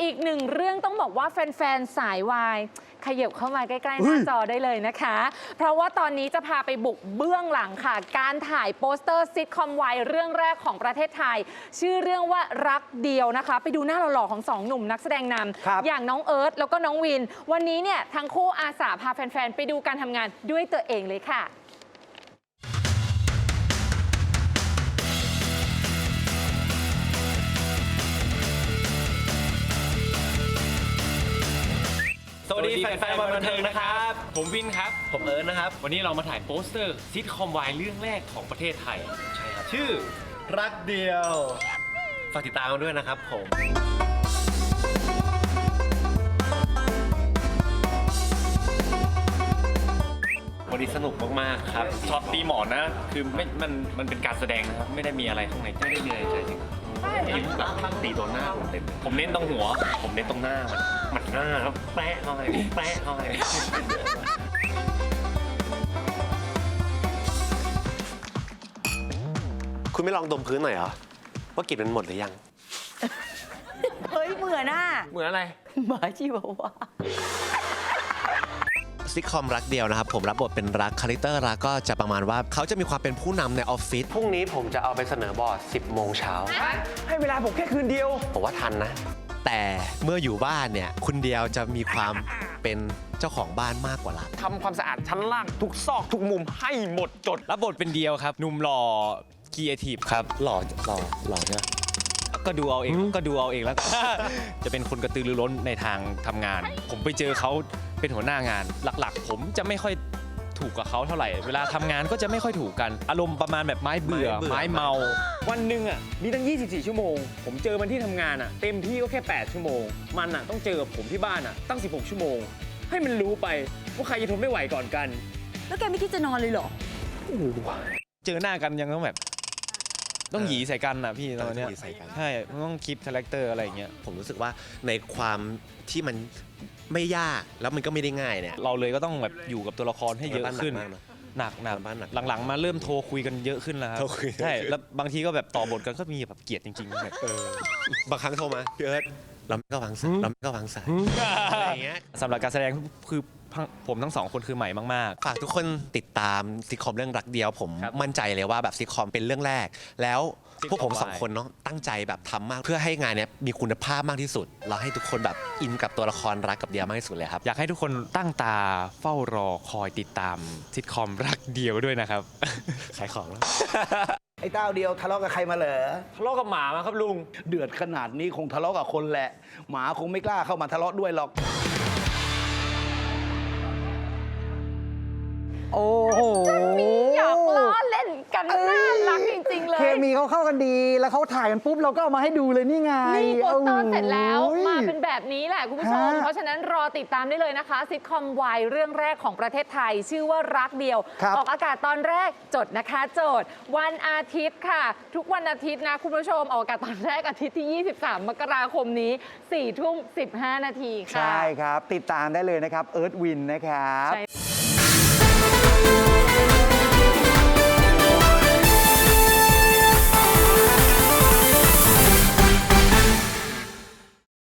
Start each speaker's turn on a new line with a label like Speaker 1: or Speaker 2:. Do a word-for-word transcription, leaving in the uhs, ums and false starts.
Speaker 1: อีกหนึ่งเรื่องต้องบอกว่าแฟนๆสายวายขยับเข้ามาใกล้ๆหน้าจอได้เลยนะคะ เพราะว่าตอนนี้จะพาไปบุกเบื้องหลังค่ะการถ่ายโปสเตอร์ซิทคอมวายเรื่องแรกของประเทศไทยชื่อเรื่องว่ารักเดียวนะคะไปดูหน้าหล่อๆของสองหนุ่มนักแสดงนำอย่างน้องเอิร์ธแล้วก็น้องวินวันนี้เนี่ยทั้งคู่อาสาพาแฟนๆไปดูการทำงานด้วยตัวเองเลยค่ะ
Speaker 2: สวัสดีแฟนๆวันบันเทิงนะครับผมวินครับ
Speaker 3: ผมเอิร์ธนะครับ
Speaker 2: วันนี้เรามาถ่ายโปสเตอร์ซิทคอมวายเรื่องแรกของประเทศไทยใช่ครับชื่อ
Speaker 3: รักเดียวฝากติดตามกันด้วยนะครับผม
Speaker 2: วันนี้สนุกมากๆครับช็อตตีหมอนนะคือไม่มันมันเป็นการแสดงนะครับไม่ได้มีอะไรข้างในไม่ได้มีอะไรใช่จริงยิ้มแบบตีโดนหน้าผมเต็มผมเน้นตรงหัวผมเน้นตรงหน้ามันมันหน้าแล้วแปะเข้าไปแปะเข้าไป
Speaker 3: คุณไม่ลองดมพื้นหน่อยเหรอว่ากลิ่นมันหมดหรือยัง
Speaker 4: เฮ้ยเหมือนอ่ะ
Speaker 2: เหมือนอะไร
Speaker 4: หมาชีวาวา
Speaker 3: ซิทคอมรักเดียวนะครับผมรับบทเป็นรักคาแรคเตอร์รักก็จะประมาณว่าเขาจะมีความเป็นผู้นำในออฟฟิศพรุ่งนี้ผมจะเอาไปเสนอบอร์ดสิบโมงเช้า
Speaker 2: ให้เวลาผมแค่คืนเดียว
Speaker 3: ผมว่าทันนะแต่เมื่ออยู่บ้านเนี่ยคุณเดียวจะมีความเป็นเจ้าของบ้านมากกว่ารัก
Speaker 2: ทำความสะอาดชั้นล่างทุกซอกทุกมุมให้หมดจดรับบทเป็นเดียวครับหนุ่มหล่อครีเอทีฟครับ
Speaker 3: หล่อหล่อหล่อใช่ไหม
Speaker 2: ก็ดูเอาเองก็ดูเอาเองแล้วจะเป็นคนกระตือรือร้นในทางทำงานผมไปเจอเขาเป็นหัวหน้างานหลักๆผมจะไม่ค่อยถูกกับเขาเท่าไหร่เวลาทำงานก็จะไม่ค่อยถูกกันอารมณ์ประมาณแบบไม้เบื่อไม้เมาวันหนึ่งอ่ะมีตั้งยี่สิบสี่ชั่วโมงผมเจอมันที่ทำงานอ่ะเต็มที่ก็แค่แปดชั่วโมงมันอ่ะต้องเจอกับผมที่บ้านอ่ะตั้งสิบหกชั่วโมงให้มันรู้ไปว่าใครจะทนไม่ไหวก่อนกัน
Speaker 4: แล้วแกไม่คิดจะนอนเลยเหรอ
Speaker 2: เจอหน้ากันยังต้องแบบต้องหยีใส่กันนะพี่ตอนนี้ใช่ต้องคิดคาแรคเตอร์อะไรอย่างเงี้ย
Speaker 3: ผมรู้สึกว่าในความที่มันไม่ยากแล้วมันก็ไม่ได้ง่ายเนี่ย
Speaker 2: เราเลยก็ต้องแบบอยู่กับตัวละครให้เยอะขึ้นหนักหนักหลังๆมาเริ่มโทรคุยกันเยอะขึ้นแล้วครับใช่แล้วบางทีก็แบบต่อบทกันก็มีแบบเกลียดจริงๆแบบ
Speaker 3: บางครั้งโทรมาพี่เอิร์ธเราไม่ก็วางสายเราไม่ก็วางสายอะไรอย่างเงี้ย
Speaker 2: สำหรับการแสดงคือผมทั้งสองคนคือใหม่มาก
Speaker 3: ๆฝากทุกคนติดตามซิทคอมเรื่องรักเดียวผมมั่นใจเลยว่าแบบซิทคอมเป็นเรื่องแรกแล้วพวกผมสองคนเนาะตั้งใจแบบทำมากเพื่อให้งานนี้มีคุณภาพมากที่สุดเราให้ทุกคนแบบอินกับตัวละครรักกับเดียวมากที่สุดเลยครับ
Speaker 2: อยากให้ทุกคนตั้งตาเฝ้ารอคอยติดตามซิทคอมรักเดียวด้วยนะครับ
Speaker 3: ขายของแล้ว
Speaker 5: ไอ้เต้าเดียวทะเลาะกับใครมาเหรอ
Speaker 2: ทะเลาะกับหมามาครับลุง
Speaker 5: เดือดขนาดนี้คงทะเลาะกับคนแหละหมาคงไม่กล้าเข้ามาทะเลาะด้วยหรอก
Speaker 4: โอ้โห
Speaker 1: อยากล้อเล่นกันน่ารักจริงๆเลย
Speaker 4: เคมีเขาเข้ากันดีแล้วเขาถ่ายกันปุ๊บเราก็เอามาให้ดูเลยนี่ไง
Speaker 1: นี่โปสเตอร์เสร็จแล้วมาเป็นแบบนี้แหละคุณผู้ชมเพราะฉะนั้นรอติดตามได้เลยนะคะซิทคอมวายเรื่องแรกของประเทศไทยชื่อว่ารักเดียวออกอากาศตอนแรกจดนะคะโจทย์วันอาทิตย์ค่ะทุกวันอาทิตย์นะคุณผู้ชมออกอากาศตอนแรกอาทิตย์ที่ยี่สิบสามมกราคมนี้สี่ทุ่มสิบห้านาทีค่ะ
Speaker 4: ใช่ครับติดตามได้เลยนะครับเอิร์ธวินนะครับ